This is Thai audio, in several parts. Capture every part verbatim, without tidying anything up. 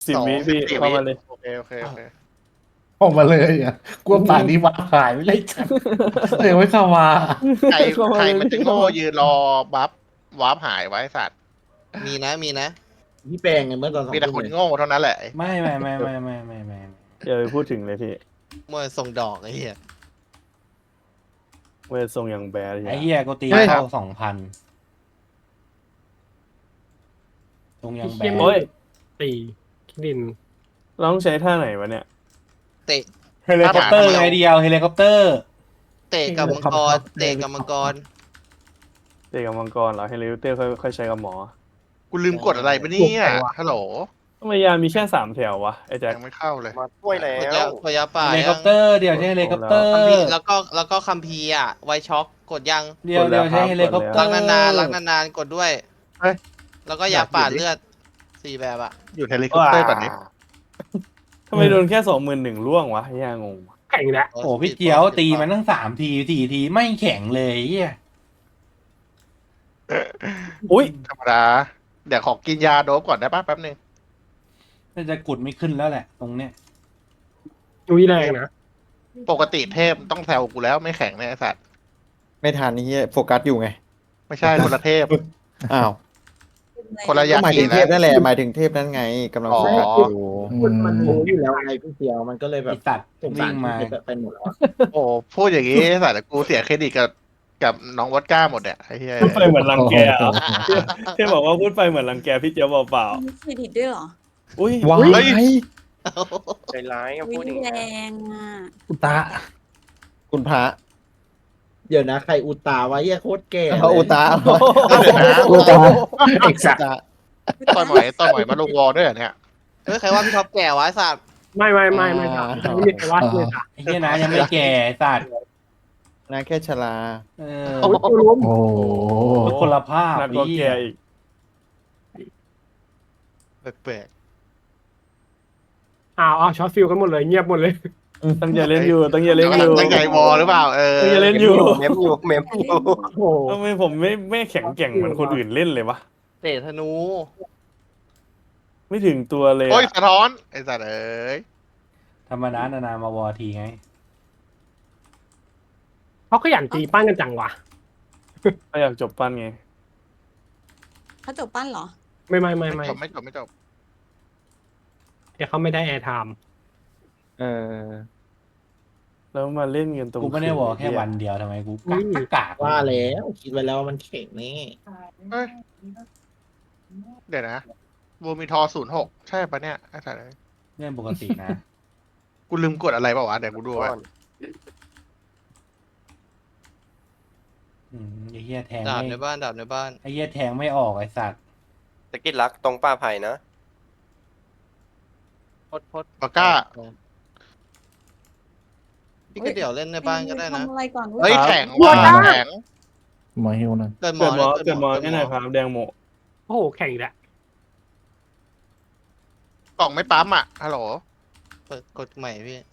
สิบวิพี่เข้ามาเลยโอเคโอเคโอเคออกมาเลยอ่ะกลัวป่านนี้ว่าหายไม่ได้จังเลยไม่เข้ามาใครใครมันจะโง่ยืนรอบัฟวาร์ปหายไว้สัตว์มีนะมีนะพี่แปลงไงเมื่อตอนสองมีแต่ทุ่มคนเลยโง่เท่านั้นแหละไม่ไม่ไม่ไม่ไม่ไม่ไม่อย่าไปพูดถึงเลยพี่มวยส่งดอกไอ้เหี้ยเวททรงอย่างแบดไอ้เหี้ยกูตีเข้าสองพันตรงยังแบนโอ้ยตีดินเราต้องใช้ท่าไหนวะเนี่ยเตะเฮลิคอปเตอร์ไงเดียวเฮลิคอปเตอร์เตะกับมังกรเตะกับมังกรเตะกับมังกรเหรอให้เลเตอร์ค่อยค่อยใช้กับหมอกูลืมกดอะไรไปเนี่ยฮัลโหลทำไมยามีแค่สามแถววะไอ้แจ็คยังไม่เข้าเลยมาช่วยแล้พยาว พยาป่าเฮลิคอปเตอร์เดี๋ยวใช้เฮลิคอปเตอร์คัมภีร์แล้วก็แล้วก็คัมภีร์อ่ะไวช็อกกดยังเดี๋ยวเดี๋ยวใช้เฮลิคอปเตอรักร์นานๆรักนานๆกดด้วยเฮ้ยแล้วก็ยาปาดเลือดสี่แบบอ่ะอยู่เฮลิคอปเตอร์ก่อนนี้ทำไมโดนแค่สองหมื่นหนึ่งล่วงวะยางงแข่งแล้วโอ้พี่เจียวตีมันตั้งสามทีสี่ทีไม่แข็งเลยเหี้ยอุ้ยธรรมดาเดี๋ยวขอกินยาโดบก่อนได้ปะแป๊บนึงน่าจะกุดไม่ขึ้นแล้วแหละ ตรงเนี้ยอุ้ยแรงนะปกติเทพต้องแซวกูแล้วไม่แข็งเนี่ยไอ้สัตว์ไม่ทันนี่โฟกัสอยู่ไงไม่ใช่คนละเทพอ้าวคนละก็ยาหมายกิถึนงเทพนะนั่นแหละหมายถึงเทพนั้นไงกำลังอ๋อโฟกัสอยู่มันมันรู้อยู่แล้วไงพี่เจียวมันก็เลยแบไอบ สัตว์สงสาวิ่รงมาพี่เป็นหมดแล้วอะโอ้พูดอย่างนี้ไอ้สัตว์กูเสียเครดิตกับกับน้องวอดก้าหมดเนี่ยไอ้เหี้ยพูดไปเหมือนรังแกเหรอเที่บอกว่าพูดไปเหมือนรังแกพี่เจียวเปล่ามีเครดิตด้วยเหรอๆอุ้ยว้ายใจร้ายวิแรงอ่ะอุตะคุณพระเดี๋ยวนะใครอุตาไว้เหี้ยโคตรแก่เลยเอาอุตาเดี๋ยวนะอุตาเอกสัตว์ต่อยหมอยต่อยหมอยมาลงวอลด้วยเหรอเนี่ยเฮ้ยใครว่าพี่ท็อปแก่วะไอ้สัตว์ไม่ไม่ไม่ไม่ถามไม่มีใครว่าเลยค่ะไอ้เหี้ยนะยังไม่แก่ไอ้สัตว์นะแค่ชราเออโอ้ยตัวล้มโอ้คนละภาพหนักกว่าแกอีกแปลกอ้าวอ้าวช็อตฟิลกันหมดเลยเงียบหมดเลยตั้งใจเล่นอยู่ตั้งใจๆเล่นอยู่ตั้งใจวอลหรือเปล่าเออตั้งใจเล่นอยู่เมมอยู่เมมอยู่โอ้โหทำไมผมไม่ไม่แข็งแกร่งเหมือนคนอื่นเล่นเลยวะเตะธนูไม่ถึงตัวเลยโอ้ยอะสะท้อนไอ้สัตว์เอ้ยธรรมดานานๆมาวอทีไงเขาขยันตีปั้นกันจังวะก็อยากจบปั้นไงเขาจบปั้นเหรอไม่ไม่ไม่ไม่ไม่จบไม่จบไม่จบเดี๋ยวเขาไม่ได้แอร์ไทม์เออแล้วมาเล่นกันตรงกูไม่ได้วอแค่วันเดียวทำไมกูกากกากว่าแล้วคิดไว้แล้วว่ามันแข็งนี่เฮ้ยเดี๋ยวนะบูมีทอศูนย์หกใช่ปะเนี่ยไอ้สัตว์เอ้ยเรื่องปกตินะกูลืมกดอะไรเปล่าวะเดี๋ยวกูดูไว้อืมไอ้เหี้ยแทงดาบไม่ในบ้านดาบในบ้านไอ้เหี้ยแทงไม่ออกไอ้สัตว์ตะกี้รักตรงป้าไผ่นะพดพดปากก้าพี่ก็เดี๋ยวเล่นในบ้านก็ได้นะทำอะไรก่อนเฮ้ยแข็งว่ะแข็งมาฮิวนั่นเกิดหมเกิอดหมอนะเกิดหมอแค่ไหนอยครับแดงโมโอ้โหแข่งอีกแล้วกล่องไม่ปั๊มอ่ะฮัลโหลเปิดกดใหม่พี่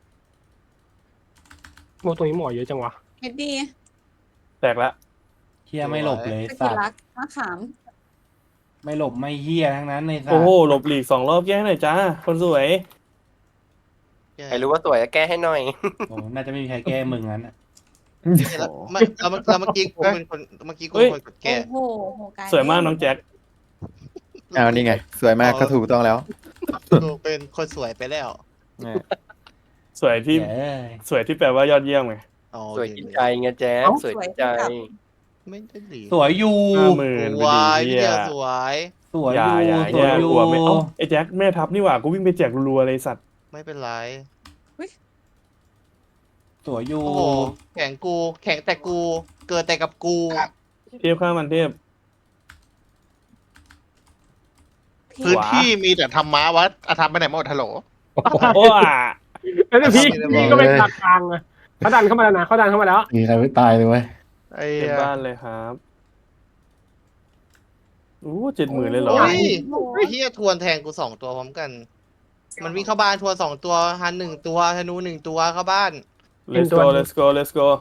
โมตรงนี้หมอเยอะจังวะเฮ็ดดี้แตกละเหี้ยไม่หลบเลยสกิสัลตว์รักมะขามไม่หลบไม่เหี้ยทั้งนั้นในสัตโอ้ว์โหหลบหลีกสองรอบแก้ให้หน่อยจ้าคนสวยใครรู้ว่าสวยก็แก้ให้หน่อยโอ้น่าจะไม่มีใครแก้มึงงั้นอะแล้วมันแล้วมันแล้วเมื่อกี้กูเป็นคนเมื่อกี้กูเฮ้เป็ยนคนกดแก้โอ้โหโหกายสวยมากน้องแจ็คอ้าวนี่ไง สวยมากก็ถูกต้องแล้วกูเป็นคนสวยไปแล้วเนี่ยสวยที่เอ้ยสวยที่แปลว่ายอดเยี่ยมไงอ๋อสวยกินใจไงแจ๊สวยกินใจไม่ได้ดีสวยอยู่ห้าหมื่นวายเฮีพี่ยเดียวสวยสวยออยู่ย่าอย่าสอวยย่าอยู่กลัวไม่เอ้าไอ้แจ็คแม่ทัพนี่หว่ากูวิ่งไปแจกรัวๆเลยสัตว์ไม่เป็นไรสวยอยู่โอ้โหแข่งกู แข่งแต่กู เกิดแต่กับกูเทพข้ามันเทพพื้นที่มีแต่ธรรมะวัดอาธรรมไปไหนหมดฮัลโหลโอ้อ่ะแล้วพี่พี่ก็เป็นกลางกลางๆนะเขาดันเข้ามาแล้วนะเขาดันเข้ามาแล้วมีใครไม่ตายเลยเว้ยไอ้เต็มเหี้ยบ้านเลยครับอู้เจ็ดหมื่นเลยเหรอโอ้ยไอ้เฮียทวนแทงกูสองตัวพร้อมกัน มันวิ่งเข้าบ้านทวนสองตัวฮันหนึ่งตัวธนูหนึ่งตัวเข้าบ้าน let's go let's go let's go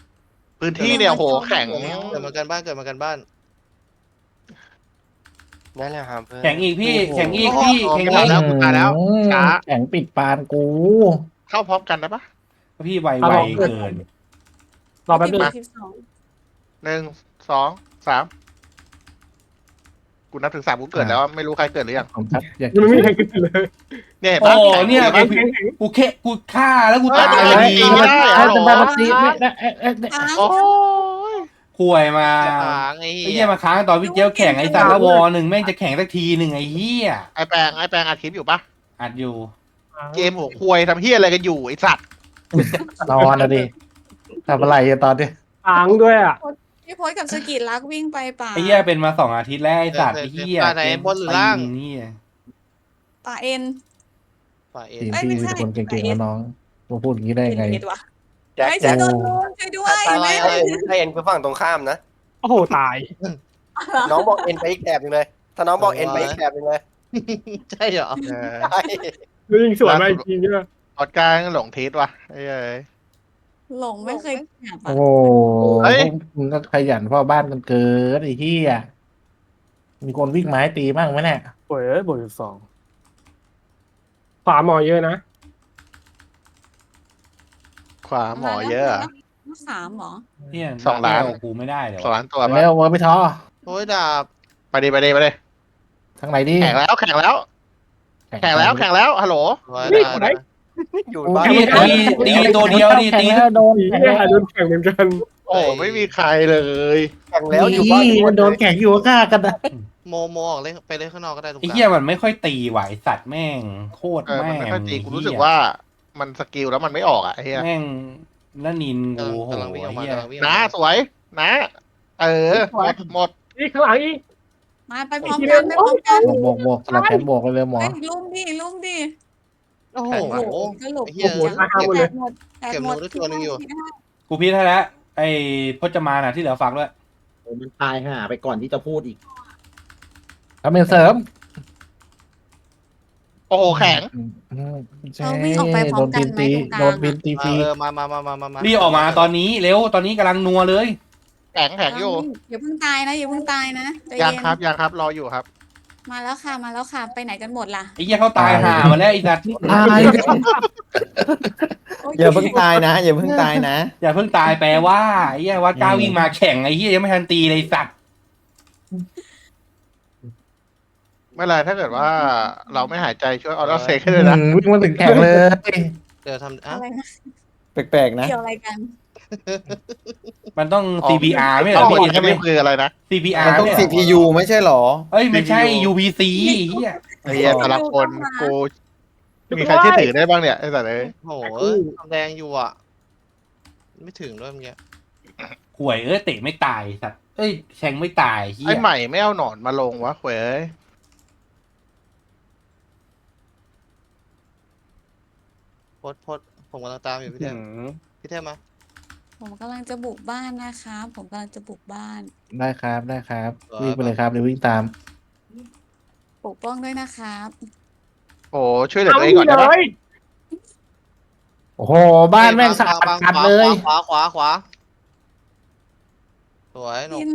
พื้นที่เนี่ยโหแข็งเกิดมากันบ้านเกิดมากันบ้านนั่นแหละครับเพื่อนแข่งอีกพี่แข่งอีกพี่แข่งตาอียกแล้วกูตายแล้ว ช้าแข็งปิดปานกูเข้าพร้อมกันได้ปะพี่ไวไวเกินรอแป๊บนึงสิบสองหนึ่งสองสามกูนับถึงสามกูเกิดแล้วไม่รู้ใครเกิดหรือยังผมครับอยากยังไม่มีใครขึ้นเลยเนี่ยเห็นโอ้ปะเนี่ยแข็งกูแข็งแข็งกูแค่กูฆ่าแล้วกูเฮ้ยตายไม่เลได้ยยิงไม่ได้เอ้ยจะมาบัตีไม่ได้เอ้ยเอ้ยค้างโอ้ยข่วยมาค้างไอ้ไอ้เหี้เหี้ยยมาค้างตอนพี่เจียวแข่งไอ้สารวอหนึ่งแม่งจะแข่งสักทีหนึ่งไอ้เหี้ยไอแปลงไอแปลงอัดคลิปอยู่ปะอัดอยู่เกมหัวควยทำเฮียอะไรกันอยู่ไอสัตว์นอนนะดิทำอะไรอะตอนนี้ค้างด้วยอ่ะพี่โพสกับสกิลลักวิ่งไปป่าไอ้เหี้ยเป็นมาสองอาทิตย์แล้วไอ้สัตว์ไอ้เหี้ยป่าไหนบนหรือล่างนี่ป่าเอ็นป่าเอ็นทีมเอ้ยไม่พี่ใช่เป็นคนเก่งๆแล้วน้องมาพูดอย่างนี้ได้ไงเอ็นวะแจ็คไอ้แจ็ฉัคนโดนลุมช่วยด้วยถ้าแม่ให้ให้เอ็นคือฝั่งตรงข้ามนะโอ้โหตายน้องบอกเอ็นไปอีกแถบหนึงเลย ถ้าน้องบอกเอ็นไปอีกแถบหนึงเลยใช่เหรอเออใช่ยิงสวนมาอีกทีเนี่ยออดการหลงทิศว่ะไอ้เอ้ยหลงไม่เคยแอบโอ้อะโหเฮ้ยมึงก็ขยันพ่อบ้านกันเกินไอ้ที่อ่ะมีคนวิ่งไม้ตีบ้างไหมเนี่ยโอ้ยเอ้ยบวกสิบสองขวาหมอเยอะนะขวาหมอเยอะอะสามเหรอเนี่ยสองล้านกูไม่ได้เดี๋ยวสองล้านตัวปะแล้วเวอร์ไปท้อโอ้ยดาบไปดิไปดิไปดิทางไหนดีแข่งแล้วแข่งแล้ว แข่งแล้วแข่งแล้วฮัลโหลไว้นี่ดาบไหนอยู่บ้านตีตีตีตัวเดียวดิตีแข่งแล้วโดนผีแข่งเนี่ยแล้วโดนแข่งเหมือนกันโอ้ไม่มีใครเลยแข่งแล้วอยู่บ้านมันโดนแข่งอยู่ฆ่ากันนะโมโมออกเลยไปเลยข้างนอกก็ได้ตรงกไอ้ลางเหี้ยมันไม่ค่อยตีไหวสัตว์แม่งโคตรเออแม่มันงไม่ค่อยจริงกูรู้สึกว่ามันสกิลแล้วมันไม่ออกอ่ะไอ้เฮียแม่งแล้วนินกูโหกำลังวิ่งออกมาเหี้ยกำลังวิ่งออกนะมาสวยนะ เออหมดหมดนี่ข้างหลังอีกมาไปพร้อมกันไปพร้อมกันบวกบวกสลับแขนบวกไปเลยหมอเฮ้ยลุมดิลุมดิโอ้โหสรุปไอ้เหี้ยโอ้โหตายห่าหมดเลยแตกหมดแตกหมดเก็บหนูได้ตัวหนึ่งอยู่กูพีทให้แล้วไอ้พจมานอ่ะที่เหลือฝากด้วยโอ้มันตายห่าไปก่อนที่จะพูดอีกทำเป็นเสริมโอ้โหแข็งใช่เราวิ่งออกไปพร้อโดมนกัพินนไหมตีตรงกลางโดนพินตีฟรีเออมามามามามามารีบออกมาตอนนี้เร็วตอนนี้กำลังนัวเลยแข็งแข็งอยู่อย่าเพิ่งตายนะอย่าเพิ่งตายนะใจยังเย็นครับยังครับรออยู่ครับมาแล้วค่ะมาแล้วค่ะไปไหนกันหมดล่ะไอ้เหี้ยเขาตายห่ามาแล้วไอ้สัตว์ตายอย่าเพิ่งตายนะอย่าเพิ่งตายนะอย่าเพิ่งตายแปลว่าไอ้เหี้ยวัดก้าววิ่งมาแข่งไอ้เหี้ยยังไม่ทันตีเลยไอ้สัตว์ไม่เป็นไรถ้าเกิดว่าเราไม่หายใจช่วยออโต้เซกให้ด้วยนะวิ่งมาถึงแข่งเลยเดี๋ยวทำอ่ะอะไรนะแปลกๆนะเกี่ยวอะไรกันมันต้อง ซี พี อาร์ ไม่เหรต้อองพี่ใช่ไหมคืออะไรนะซี พี อาร์มันต้องเนี่ยซีเหรพีอยู ไม่ใช่หรอเอ้ยไม่ใช่ซี พียูยูพี ซี เหี้ยไอ้เหี้ยแต่ละคนกูมีใครเชื่อถือได้บ้างเนี่ยไอ้สัตว์เลยโอ้โหทำแดงอยู่อ่ะ ไม่ถึงด้วยเมื่อกี้ห่วยเอ้ยเตะไม่ตายสัตว์เอ้ยแทงไม่ตายเหี้ไอ้ยใหม่ไม่เอาหนอนมาลงวะเว้ยโพดโพดผมกำลังตามอยู่พี่เทอืมมพี่เทมมาผมกำลังจะบุกบ้านนะคะผมกำลังจะบุกบ้านได้ครับได้ครับวิ่งไปเลยครับเดี๋ยววิ่งตามปกป้องด้วยนะครับโอ้ช่วยเหลือตัวเองก่อนได้เลปะยโอ้โหบ้านแม่งสะอาดบังขัดขวาเลยขวาขวาขวาสวยหนุพิ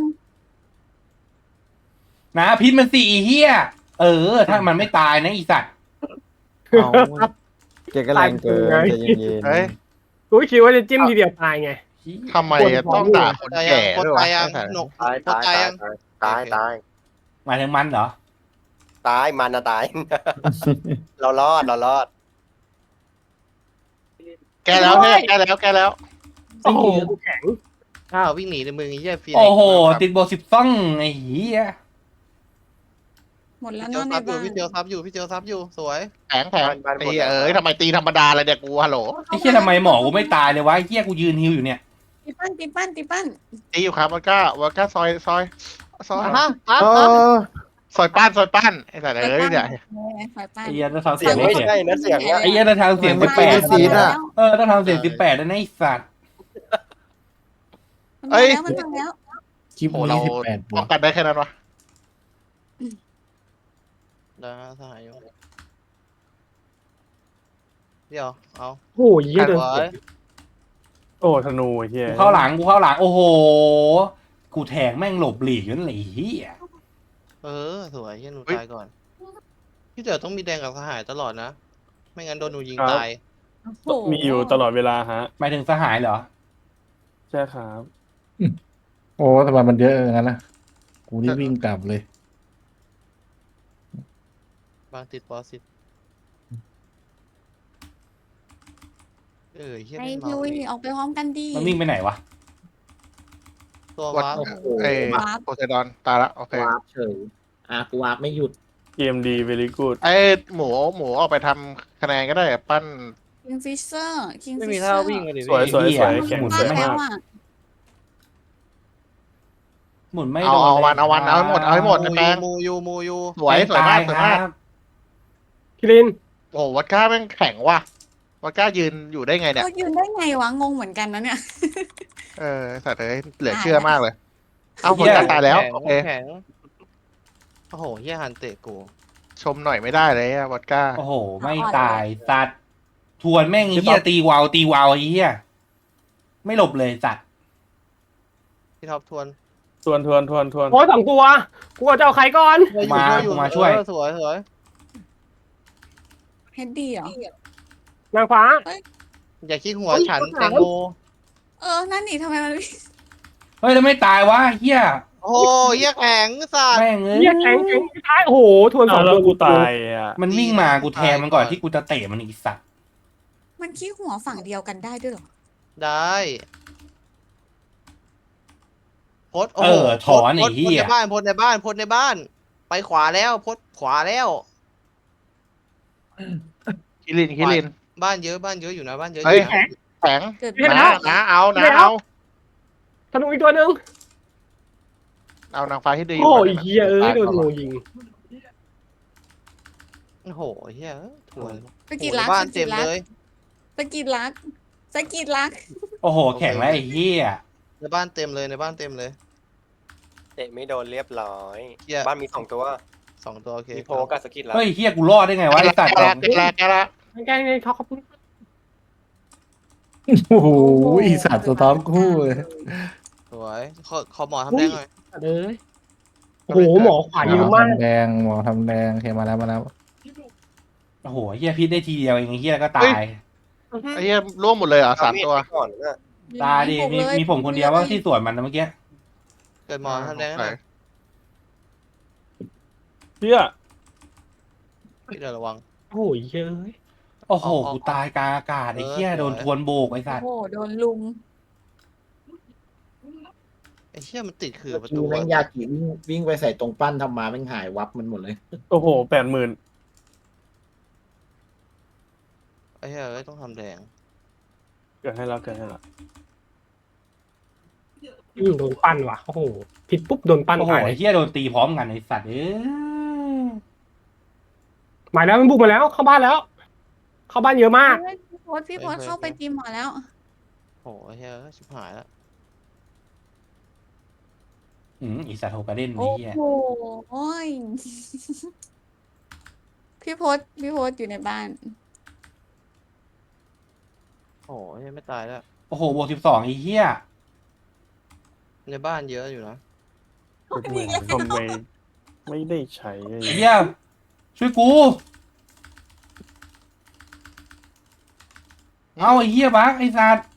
กนนะพิษมันสี่เหี้ยเออ ถ้ามันไม่ตายนะอีสัตว์เอาเก่งก็แรงเกินใจเย็นเฮ้ยกูคิดว่าจะจิ้มทีเดียวตายไงทำไมต้องด่าคนแก่ด้วยวะตายยังไอ้สัตว์หนุกตายโพดตายตายยังตายตายหมายถึงมันเหรอตายมันนะตาย เรารอดเรารอดแกแล้วแค่แกแล้วแกแล้วโอ้โหกูแข็งอ้าววิ่งหนีในมือไอ้เหี้ยฟีโอ้โหติดโบสิบซ่องไอ้เหี้ยหมดแล้วพี่เจีเนาะยวในซับอยู่บ้านพี่เจียวซับอยู่พี่เจียวซับอยู่สวยแข็งแข็งไอ้เหี้ยเอ้ยทำไมตีธรรมดาเลยเนี่ยกูฮัลโหลไอ้เหี้ยทำไมหมอกูไม่ตายเลยวะไอ้เหี้ยกูยืนฮิวอยู่เนี่ยตีปั้นตีปั้นตีปั้นตีอยู่ครับวัดก้าวัดก้าซอยซอยซอยฮะฮะโอ้ซอยป้านซอยป้านไอ้สัตว์เอ้ยเนี่ยฝ่ายปั้นไอ้เหี้ยต้องทำเสีเสียยงงไม่ไม่เสียใช่นะเสียงอะไอ้เหี้ยต้องทำเสียงสิบแปดซีดอ่ะเออต้องทำเสียงสิบแปดนะไอ้สัตว์มันมาแล้วมันมาแล้วคลิปโอ้นี้เราสิบแปดบป้วอก งกันได้แค่นั้นวะได้สหายอยู่เดี๋ยวเอาโอ้โหเยี่ยสเดินวยโอ้ธนูไอ้เฮียกูเข้าหลังกูเข้าหลังโอ้โหกูแทงแม่งหลบหลีกนั่นแหละไอ้เหี้ยเออสวยเฮียหนูตายก่อนพี่เต๋อต้องมีแดงกับสหายตลอดนะไม่งั้นโดนหนูยิงตายโอ้โหมีอยู่ตลอดเวลาฮะหมายถึงสหายเหรอใช่ครับโอ้ทำไมมันเยอะอย่างนั้นนะกูนี่วิ่งกลับเลยบางติดปอสิตเออเฮียไอ้ไม่พี่เมาวิ่งออกไปพร้อมกันดีมันวิ่งไปไหนวะตัววัดวาร์ปโอ้โหเอ้วาร์ปโพไซดอนตายละโอเควาร์ปเฉยอ่ะกูวาร์ปไม่หยุดเกมดี very good ไอ้หมูหมูออกไปทำคะแนนก็ได้ปั้นคิงฟิชเซอร์คิงไม่ฟิมีชเซท่าอร์วิ่งเลยดิสวยพี่สวยเหี้สยวยแข็งหมุนสวยมาไม่แล้วมากอ่ะหมุนไม่เอาโดนเอาเลยวันเอาวันเอาให้หมดเอาให้หมดมูแปลยูงมูยูมูยูสวยสวยมากตสวยมากครับคิรินโอ้โหวัดก้าแม่งแข็งว่ะวัดก้ายืนอยู่ได้ไงเนี่ยเขายืนได้ไงวะงงเหมือนกันนะเนี่ยเออสัตว์เอ้ยเหลือเชื่อมากเลย เอาวัดก้าตายแล้วข็งโอเคแข็งโอ้โหเฮียฮันเตะกูชมหน่อยไม่ได้เลยอะวัดก้าโอ้โห ไม่ตายสัตว์ทวนแม่งไอ้เหี้ยตีวาวตีวาวไอ้เหี้ยไม่หลบเลยสัตว์พี่ท็อปทวนทวนทวนทวนทวนโอ้ยสองตัวกูจะเอาใครก่อนมาอยู่มาช่วยเออสวยสวยเฮดดี้เหรอนางฟ้าอย่าขี้หัวเฮ้ยฉันคนแตหางโมเออ นั่นนี่ทำไมมันเฮ้ยแล้วไม่ตายวะเหี้ยโอ้โหเฮียแข็งสัตว์แม่งเอ้ยเฮียแข็งแข็งท้ายโอ้โหทวนสอเอางแล้วตัวกูตายอ่ะมันวิ่งมากูแทงมันก่อนที่กูจะเตะมันอีกสัตว์มันขี้หัวฝั่งเดียวกันได้ด้วยเหรอได้พดเออถอนไอ้พดเหี้พดยในบ้านพดในบ้านพดในบ้าน ไปขวาแล้วพดขวาแล้วคิรินคิรินบ้านเยอะบ้านเยอะอยู่นะบ้านเยอะอเฮ้ยยู่นะแข็งเกิดนะนะเอานะเอาธนูอีกตัวหนึ่งเอานางฟ้าที่ดีโอ้ยเฮียเอ้ยโดนงูยิงโอ้โหเฮียถวนสกิดรักโอ้โหบ้านสเต็กิดมรักเลยสกิดรักสกิดรักโอ้โห แข็งแล้วไอ้เหี้ยในบ้านเต็มเลยในบ้านเต็มเลยเตะไม่โดนเรียบร้อยเหี้ยบ้านมีสองตัวสองตัวโอเคมีโพกับสกิลแล้วเฮ้ยเหี้ยกูรอดได้ไงวะไอ้สัตว์แกละแกละแกละแกล้งในท็อปครับโอ้โหอีสัตว์สะท้อนคู่เลยสวยขอขอหมอทำแดงหน่อยเอ้ยโอ้โหหมอขวาเยอะมากทำแดงหมอทำแดงโอเคมาแล้วมาแล้วโอ้โหเหี้ยพิษได้ทีเดียวเองไอ้เหี้ยแล้วก็ตายไอ้เหี้ยร่วมหมดเลยเหรอสามตัวเอดไก่อนนะตายดิมีมีผมคนเดียวว่าที่สวนมันนะเมื่อกี้เกิดหมอทำแดงหน่อยเพื่อพี่เดี๋ยวระวังโอ้ยเยอะโอ้โหเอาเอากูตายกลางอากาศไอ้เหี้ยเออโดนทวนโบกไอ้สัตว์โอ้โหโดนลุมไอ้เชี่ยมันติดขื่อประดูตูแม่งยากิวิ่งวิ่งไปใส่ตรงปั้นทำมาแม่งหายวับมันหมดเลยโอ้โหแปดหมื่นไอ้เหี้ยเอ้ยต้องทำแดงเกิดให้แล้วเกิดให้แล้วอืมโดนปั้นว่ะโอ้โหผิดปุ๊บโดนปั้นโอ้โหตายไอ้เหี้ยโดนตีพร้อมกันไอ้สัตว์เอ้ยหมายแล้วมันบุกมาแล้วเข้าบ้านแล้ว เข้าบ้านเยอะมากเฮ้ยพี่โพสพี่โพสเข้าไปตีหมอแล้วโอ้โหไอ้เหี้ยเอ้ยชิบหายแล้วอืมอีสัตว์โฮกาเด้นไอ้โอ้เหี้ยโหโอ้ย พี่โพสพี่โพสอยู่ในบ้านโอ้โหไอ้เหี้ยไม่ตายแล้วโอ้โหบวกสิบสองไอ้เหี้ยในบ้านเยอะอยู่นะทำไมทำไมไม่ได้ใช้ไอ้ไอ้เหี้ยช่วยกู เอาไอ้เหี้ยบักไอ้สัตว์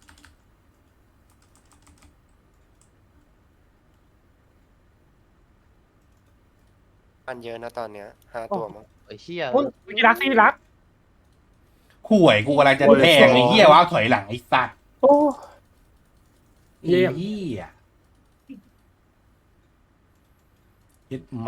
บ้านเยอะนะตอนเนี้ยห้าตัวมั้งไอ้เหี้ยโอ้ยซีรักซีรักข่วยกูกำลังจะแทงไอ้เหี้ยว้าวถอยหลังไอ้สัตว์โอ้ไอ้เหี้ยยึดแหม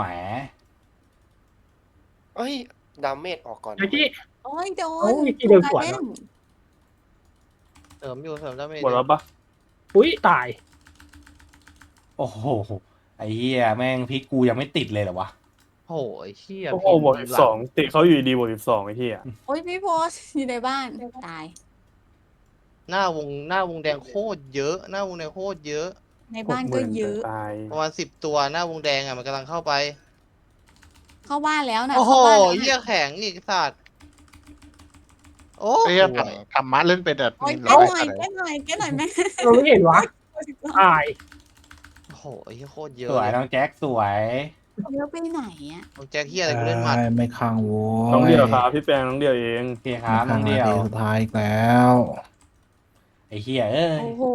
เอ้ยดาเมจออกก่อนไอ้ที่โอ้ยโดโอ้นยกี่เดินสวนเล่เนอะเสริมอยู่เสริมได้ไหมหมดแล้วปะอุ้ยตายโอ้โหไอ้เหี้ยแม่งพลิกกูยังไม่ติดเลยเหรอวะโอ้โหไอ้เหี้ยโอ้โหบวกสิบสองติเขาอยู่ดีบวกสิบสองไอ้ที่อ่ะโอ้ยพี่โพสอยู่ในบ้านตายหน้าวงหน้าวงแดงโคตรเยอะ หน้าวงแดงโคตรเยอะในบ้านก็เยอะตายประมาณสิบตัวหน้าวงแดงอ่ะมันกำลังเข้าไปเข้าบ้านแล้วนะโอ้โหเข้าบ้านแล้วเหี้ยนะแข็งอีกสัตว์โอ้ไอ้โหเหี้ยฝั่งธรรมะเล่นเป็นแบบโอ้ยนินแก้ร้อยหน่อยอะไรแก้หน่อยแก้หน่อยแม่เราไม่เห็นวะตายโอ้โหไอ้เหี้ยโคตรเยอะสวยเลยน้องแจ็คสวยเยอะไปไหนอ่ะของแจ็คเฮียอะไรกูเล่นหมัดได้ไม่ค้างโว้ยน้องเดียวครับพี่แปงน้องเดียวเองโอเคครับน้องเดียวไม่ค้างนาทีสุดท้ายอีกแล้วไอ้เหี้ยเอ้ยโอ้โห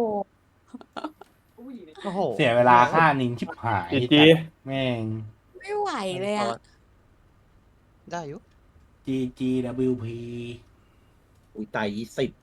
โอ้โหเสียเวลาค่านินชิบหายจีจีแม่งไม่ไหวเลยอ่ะได้อยู่ G G W P อุ้ยตายยี่สิบ